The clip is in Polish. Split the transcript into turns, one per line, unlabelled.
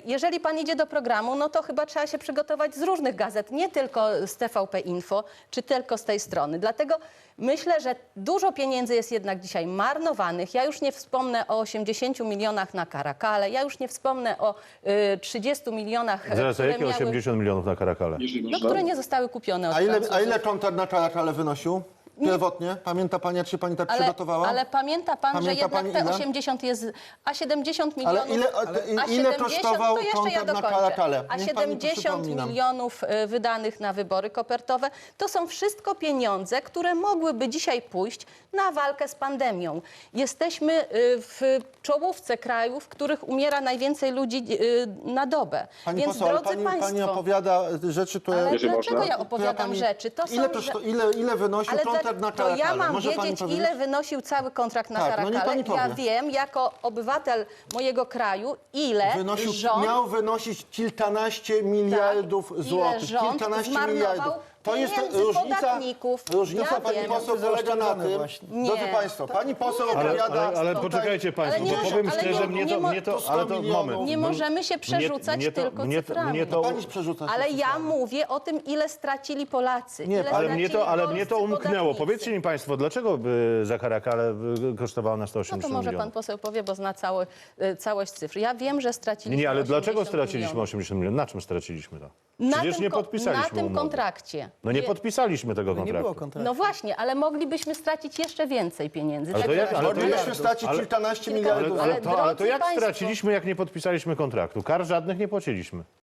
jeżeli pan idzie do programu, no to chyba trzeba się przygotować z różnych gazet, nie tylko z TVP Info, czy tylko z tej strony. Dlatego myślę, że dużo pieniędzy jest jednak dzisiaj marnowanych. Ja już nie wspomnę o 80 milionach na Caracale, ja już nie wspomnę o 30 milionach,
Zaraz, a
które
jakie 80 milionów na Caracale?
no, które nie zostały kupione od
A
Francuzów.
ile konter na Caracale wynosił? Pierwotnie? Pamięta pani, jak się pani tak przygotowała?
Ale pamięta pan, że
Pamięta
jednak
pani
te
ile?
80 jest, a 70 milionów...
Ale ile kosztował
to jeszcze ja
kontakt na
dokończę.
Caracale?
A
Niech pani
70
przypomni nam.
milionów wydanych na wybory kopertowe, to są wszystko pieniądze, które mogłyby dzisiaj pójść na walkę z pandemią. Jesteśmy w czołówce krajów, w których umiera najwięcej ludzi na dobę.
Pani
Więc,
poseł, ale
drodzy
pani
państwo...
opowiada rzeczy, które...
Ale
Jeżeli
dlaczego
można?
ja opowiadam rzeczy? To
Ile wynosił
ale
kontrakt na
to
Caracale?
ja mam
Może pani
wiedzieć,
powiedzieć?
ile wynosił cały kontrakt na
Tak, no niech
Caracale.
pani
Ja
powie.
wiem, jako obywatel mojego kraju, ile rząd...
Miał wynosić kilkanaście miliardów
ile
złotych.
rząd
Kilkanaście
zmarnował
miliardów. To jest
pieniędzy podatników.
różnica
Ja
pani
wiem.
poseł polega na tym,
Nie.
drodzy państwo, pani poseł
Ale,
opowiada...
ale
tutaj-
poczekajcie państwo,
Ale nie
bo
może-
powiem
ale
szczerze,
nie- nie mo-
ale to moment.
Nie
Nie możemy się przerzucać tylko cyframi.
mnie to,
Pani przerzuca się
Ale ja
cyframi.
mówię o tym, ile stracili Polacy.
Nie,
ile
ale
ale
stracili
mnie to
polscy
umknęło.
podatnicy.
Powiedzcie mi państwo, dlaczego za Caracale kosztowało nas 180
No to może
milionów?
pan poseł powie, bo zna całość cyfr. Ja wiem, że straciliśmy
Nie, ale
80
dlaczego straciliśmy
milionów.
80 milionów? Na czym straciliśmy to?
Na
Przecież
tym
nie
ko-
podpisaliśmy
Na tym
umowy.
kontrakcie.
No nie podpisaliśmy tego
Nie było
kontraktu.
kontraktu.
No właśnie, ale moglibyśmy stracić jeszcze więcej pieniędzy.
Ale to
Tak
jak- ale to
Moglibyśmy
jak-
stracić
ale-
kilkanaście
Kilka-
miliardów.
Ale to
drodzy
jak
państwo-
straciliśmy, jak nie podpisaliśmy kontraktu? Kar żadnych nie płaciliśmy.